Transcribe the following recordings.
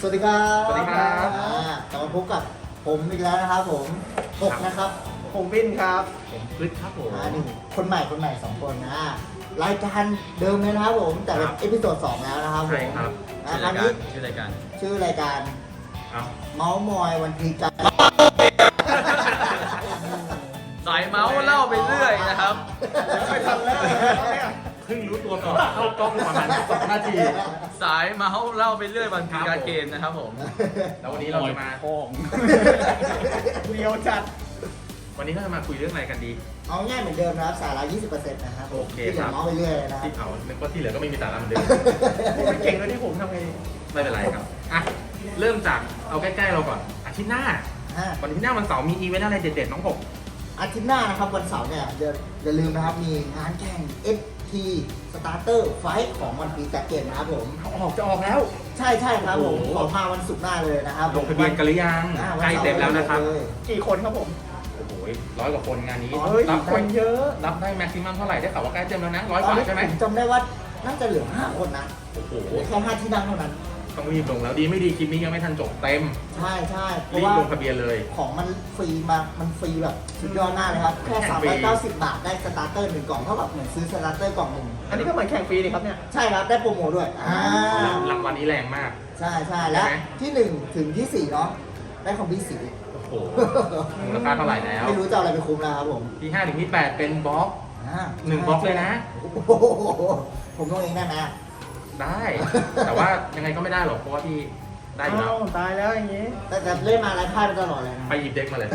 วัสดีครับสวัสดีครับกลับมาพบกับผมอีกแล้วนะครับผมหกนะครับผมวินครับผมพฤษครับผมนี่คนใหม่สองคนนะรายการเดิมเลยนะครับผมแต่เป็นครับเอพิโซด2แล้วนะครับผมใช่ครับครั้งนี้ชื่อรายการชื่อรายการเอาเมาส์มอยวันพีกันสายเมาส์เล่าไปเรื่อยนะครับไม่ทันแล้วเนี่ยเพิ่งรู้ตัวก่อนเข้ากล้องประมาณ2 นาที สายเมาส์เล่าไปเรื่อยวันพีการเกมนะครับผม แล้ววันนี้เราจะมาเรียวจัดวันนี้เราจะมาคุยเรื่องอะไรกันดีเอาง่ายเหมือนเดิมนะครับสาระ 20%นะครับผมโอเคที่เหลืครัอบ เมาส์ไปเรื่อยเลยนะครัที่บเอานึกว่าที่เหลือก็ไม่มีสาระเหมือนเดิมผมไม่เก่งเลยที่ผมทำไงไม่เป็นไรครับ อ่ะ เริ่มจากเอาใกล้ๆเราก่อน อาทิตย์หน้า วันที่หน้าวันเสาร์มีอีเวนต์อะไรเด็ดๆน้องผมอาทิตย์หน้านะครับวันเสาร์เนี่ยอย่าลืมนะครับมีงานแข่ง FT Starter Fight ของวันพีจัดเกมนะครับผมจะออกแล้วใช่ครับผมโอ้โหขอมาวันศุกร์หน้าเลยนะครับลงทะเบียนกันหรือยังวันใกล้เต็มแล้วนะครับเลยกี่คนครับผมโอ้โห100 กว่าคนงานนี้อ๋อเฮ้ยรับคได้นเยอะรับได้แม็กซิมัมเท่าไหร่ได้ข่าวว่าใกล้เต็มแล้วนะ100 กตอนว่านี้ใช่ไหมผมจำได้ว่าน่าจะเหลือ5คนนะโอ้โหเหลือแค่5ที่นั่งเท่านั้นต้องรีบลงแล้วดีไม่ดีคลิปนี้ยังไม่ทันจบเต็มใช่เพรีราะบว่าลงทะเบียนเลยของมันฟรีมามันฟรีแบบสุดยอดมากเลยครับ แค่แข่งฟรี 390 บาทได้สตาร์เตอร์1กล่องเท่ากับเหมือนซื้อสตาร์เตอร์กล่องหนึ่งอันนี้ก็เหมือนแข่งฟรีนี่ครับเนี่ยใช่ครับได้โปรโมทด้วยรางวัลนี้แรงมากใช่และใช่ไหมที่1ถึงที่4เนาะได้ของพี่สีโอ้โหมูลค่าเท่าไหร่แล้วไม่รู้จะเอาอะไรไปคุ้มแล้วครับผมที่5ถึงที่8เป็นบล็อกอ่า 1 บล็อกเลยนะโอ้โหผมต้องเองได้ไหมได้ แต่ว่ายังไงก็ไม่ได้หรอกเพราะว่าพี่ได้อยู่แล้วอ้าวตายแล้วอย่างงี้แต่เล่นมาไร้พ่ายมาตลอดเลยนะไปหยิบเด็กมาเลย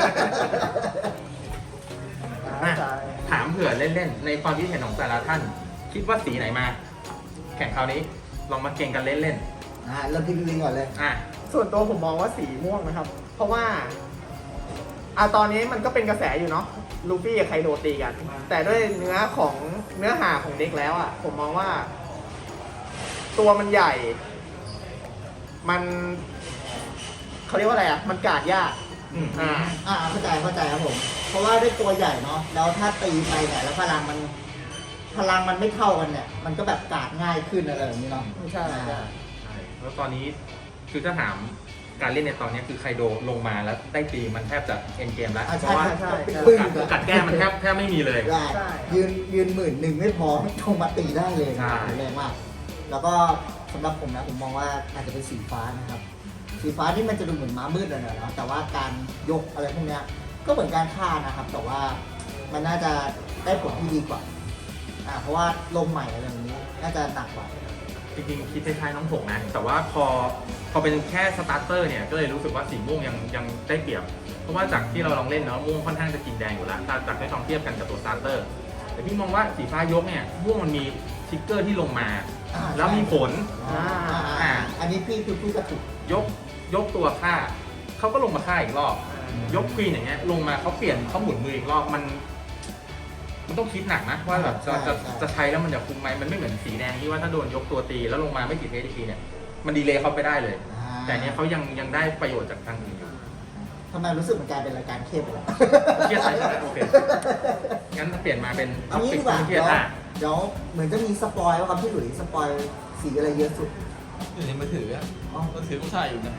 ตายตายถามเผื่อเล่นๆ ในความคิดเห็นของแต่ละท่าน คิดว่าสีไหนมา แข่งคราวนี้ ลองมาเก่งกันเล่นเริ่มที่พี่วิงก่อนเลยๆ อ่ะส่วนตัวผมมองว่าสีม่วงนะครับ เพราะว่าตอนนี้มันก็เป็นกระแสอยู่เนาะลูฟี่กับไคโดตีกัน แต่ด้วยเนื้อหาของเด็กแล้วผมมองว่า ตัวมันใหญ่ มันเขาเรียกว่าอะไรมันกาดยากอ่าเข้าใจครับผม เพราะว่าด้วยตัวใหญ่เนาะแล้วถ้าตีไปเนี่ยแล้วพลังมันไม่เท่ากันเนี่ย มันก็แบบกาดง่ายขึ้นอะไรแบบนี้เนาะใช่ใช่แล้วตอนนี้คือถ้าถามการเล่นในตอนนี้คือไคโดลงมาแล้วได้ตีมันแทบจะเอ็นเกมแล้ว เพใช่ราะว่าใช่ใช่ปึ้งกัดแก้มันแทบไม่มีเลยได้ใช่ยืน11,000ไม่พอลงมาตีได้เลยใช่แรงมาก แล้วก็สำหรับผมนะผมมองว่าอาจจะเป็นสีฟ้านะครับ สีฟ้าที่มันจะดูเหมือนม้ามืดหน่อยๆเนาะแต่ว่าการยกอะไรพวกเนี้ยก็เหมือนการฆ่านะครับ แต่ว่ามันน่าจะได้ผลที่ดีกว่าเพราะว่าลมใหม่อะไรแบบนี้น่าจะหนักกว่าจริงๆคิดคล้ายๆน้องผงนะ แต่ว่าพอเป็นแค่สตาร์เตอร์เนี่ยก็เลยรู้สึกว่าสีม่วงยังได้เปรียบ เพราะว่าจากที่เราลองเล่นเนาะม่วงค่อนข้างจะกินแดงอยู่แล้วถ้าจากได้ลองเทียบกันกับตัวสตาร์เตอร์แต่พี่มองว่าสีฟ้ายกเนี่ยม่วงมันมีทิกเกอร์ที่ลงมา แล้วมีผลอันนี้พี่คือพี่กระตุกยกตัวฆ่าเขาก็ลงมาฆ่าอีกรอบ ยกควีนอย่างเงี้ยลงมาเขาเปลี่ยนเขาหมุนมืออีกรอบมันต้องคิดหนักนะว่าแบบจะใช้แล้วมันจะคุ้มไหมมันไม่เหมือนสีแดงที่ว่าถ้าโดนยกตัวตีแล้วลงมาไม่ติดเอทีเนี่ยมันดีเลย์เขาไปได้เลย แต่เนี้ยเขายังได้ประโยชน์จากทางอื่นอยู่ทำไมรู้สึกเหมือนกลายเป็นรายการเครียดไปแล้วเครียดใช่ไหมโอเคงั้นเปลี่ยนมาเป็นเอางี้ดีกว่าเครียดเดี๋ยวเหมือนจะมีสปอยว่าครับพี่หลุยส์สปอยสีอะไรเยอะสุดอยู่ในมือถืออะอ๋อมือถือผู้ชายอยู่นะ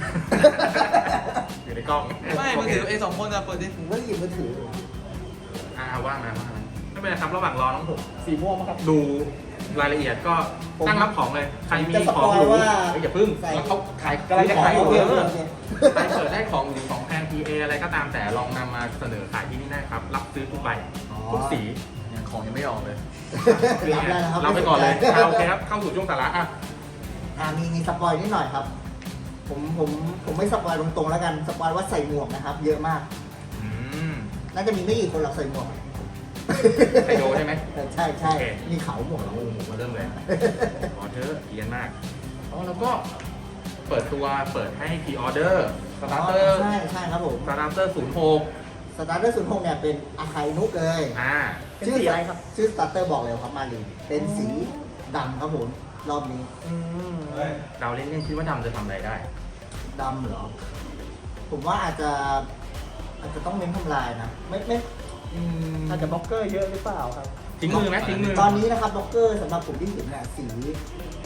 อยู่ในกล้องไม่มือถือไอ้2 คนอะเปิดดิผมก็หยิบมือถือว่างมาไม่เป็นไรครับระหว่างรอน้องผมสีม่วงมั้งครับดูรายละเอียดก็ตั้งรับของเลย ใครมีจะสขปองอยหรูว่าอย่าพึ่งใส่แล้วเขาขายกำลังจะขายขโอองเคเยโออะเคใครเปิดได้ของหรือของแพง PA อะไรก็ตามแต่ลองนำมาเสนอขายที่นี่ได้ครับ รับซื้อทุกใบทุกสียังของยังไม่ออกเลยรับได้นะครับเราไปก่อนเลยโอเคครับ เข้าสู่ช่วงสาระอ่ะมีสปอยนิดหน่อยครับ ผมไม่สปอยตรงๆแล้วกัน สปอยว่าใส่หมวกนะครับ เยอะมากอืมน่าจะมีไม่กี่คนหรอกใส่หมวกไคโดใช่ไหมใช่ใช่โอเคมีเขาหมวกโอ้โหมาเริ่มเลยขอเธอะเกียนมากแล้วก็เปิดให้พรีออเดอร์สตาร์เตอร์ใช่ครับผมสตาร์เตอร์06 สตาร์เตอร์06เนี่ยเป็นอาคายนุกเลยเป็นสีอะไรครับชื่อสตาร์เตอร์บอกเลยครับมาลีเป็นสีดำครับผมรอบนี้เราเล่นๆคิดว่าดำจะทำอะไรได้ดำเหรอ ผมว่าอาจจะต้องเน้นทำลายนะไม่อาจจะบล็อกเกอร์เยอะหรือเปล่าครับทิ้งมือไหมทิ้งมือตอนนี้นะครับบล็อกเกอร์สำหรับผมที่เห็นเนี่ยสี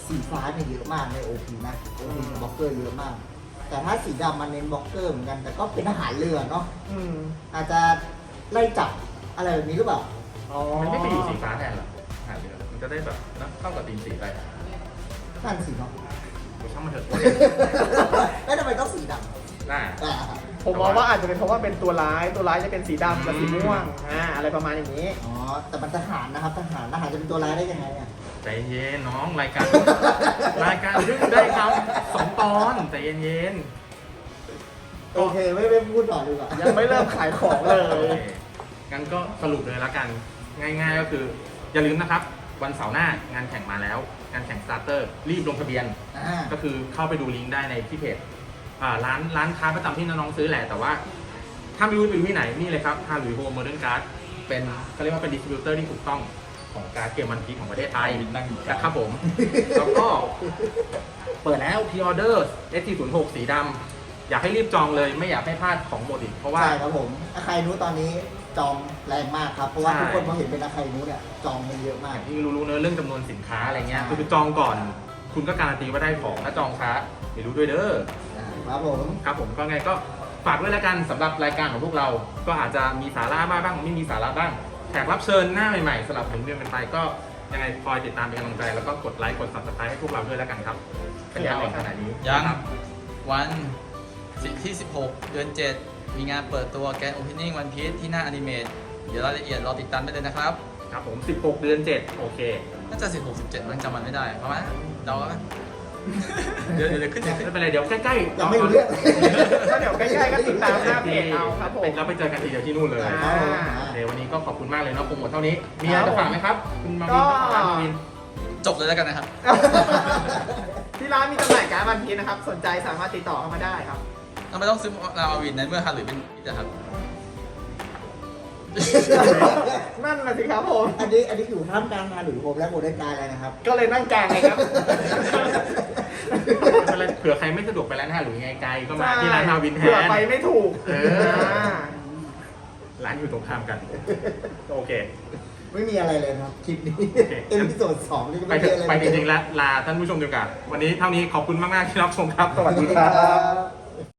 สีฟ้าเนี่ยเยอะมากใน OP นะ OP บล็อกเกอร์เยอะมาก แต่ถ้าสีดำมันเน้นบล็อกเกอร์เหมือนกัน แต่ก็เป็นทหารเรือเนาะอืมอาจจะไล่จับอะไรแบบนี้หรือเปล่าอ๋อมันไม่ไปอยู่สีฟ้าแทนหรอหาเรือมันจะได้แบบนะเข้ากับธีมสีไปนั่นสิเนาะกูช่างมันเถอะแล้วทำไมต้องสีดน่าำอ่าผมมองว่าอาจจะเป็นเพราะว่าเป็นตัวร้ายจะเป็นสีดำกับสีม่วงอะไรประมาณอย่างนี้อ๋อ แต่มันทหารนะครับ ทหารจะเป็นตัวร้ายได้ยังไงอ่ะใจเย็นน้องรายการ รายการเพิ่งได้ทำ2 ตอนใจเย็นโอเค ไม่พูดต่อดีกว่ายังไม่เริ่มขายของเลโอย เคงั้นก็สรุปเลยละกัน ง่ายๆก็คืออย่าลืมนะครับ วันเสาร์หน้างานแข่งมาแล้ว งานแข่งสตาร์เตอร์รีบลงทะเบียน ก็คือเข้าไปดูลิงก์ได้ในที่เพจร้านค้าประจำที่น้องๆซื้อแหละ แต่ว่าถ้าไม่รู้ไปดูที่ไหนนี่เลยครับฮารุยโฮมโมเดิร์นการ์ดเป็นเขาเรียกว่าเป็นดิสติบิวเตอร์ที่ถูกต้องของการ์ดเกมวันพีของประเทศไทยนั่งอยู่นะครับผม แล้วก็เปิดแล้วพ r ออเดอร์ S406 สีดำอยากให้รีบจองเลยไม่อยากให้พลาดของหมดอีกเพราะว่าใช่ครับผมอาคายนู้ตอนนี้จองแรงมากครับ เพราะว่าใช่ทุกคนพอเห็นเป็นอาคายนู้เนี่ยจองมันเยอะมากที่รู้ๆเนอะเรื่องจำนวนสินค้าอะไรเงี้ยใช่คือจองก่อน คุณก็การันตีว่าได้ของถ้าจองช้าไม่รู้ด้วยเด้อครับผมครับผมก็ไงก็ฝากด้วยแล้วกันสำหรับรายการของพวกเรา ก็อาจจะมีสาระบ้างไม่มีสาระบ้างแขกรับเชิญหน้าใหม่ๆสำหรับหมุนเวียนกันไปก็ยังไงคอยติดตามเป็นกำลังใจแล้วก็กดไลค์กด subscribe ให้พวกเราด้วยแล้วกันครับเป็นยังไงขนาดนี้ยังครับวันที่ 16 เดือน 7 มีงานเปิดตัวแกนโอเพนนิ่งวันพีซที่หน้าอนิเมตเดี๋ยวรายละเอียดรอติดตามได้เลยนะครับครับผม16 เดือน 7 โอเคน่าจะ 16 17 มันจำมันไม่ได้ประมาณนั้นเดาแล้วกัน เดี๋ยวขึ้นไม่เป็นไรเดี๋ยวใกล้ๆยังไม่รู้เรื่องก็เดี๋ยวใกล้ๆก็ติดตามหน้าเพจเอาครับผมเราไปเจอกันทีเดียวที่นู่นเลยอ่าเดี๋ยววันนี้ก็ขอบคุณมากเลยเนาะโปรโมทเท่านี้ มีอะไรจะฝากไหมครับ คุณมาวินก็ครับมาวินจบเลยแล้วกันนะครับที่ร้านมีจำหน่ายการ์ดวันพีชนะครับ สนใจสามารถติดต่อเข้ามาได้ครับทำไมต้องซื้อลามาวินในเมื่อฮารุเป็นพีซอะครับนั่นนะสิครับผมอันนี้อยู่ท่ามกลางงานหรือผมและโมเดลการอะไรนะครับก็เลยนั่งกลางไงครับไม่เป็นไรเผื่อใครไม่สะดวกไปร้านอาหารหรือไงไกลก็มาที่ร้านมาวินแทเผื่อน ไปไม่ถูกเออ ร้านอยู่ตรงข้ามกัน โอเคไม่มีอะไรเลยครับคลิปนี้โอเคเอพิโซด2นี่ก็ไปไม่เถมีอะอะไรไปจริงๆแล้วลาท่านผู้ชมดีกว่าวันนี้เท่านี้ขอบคุณมากๆที่รับชมครับ สวัสดีครับครับ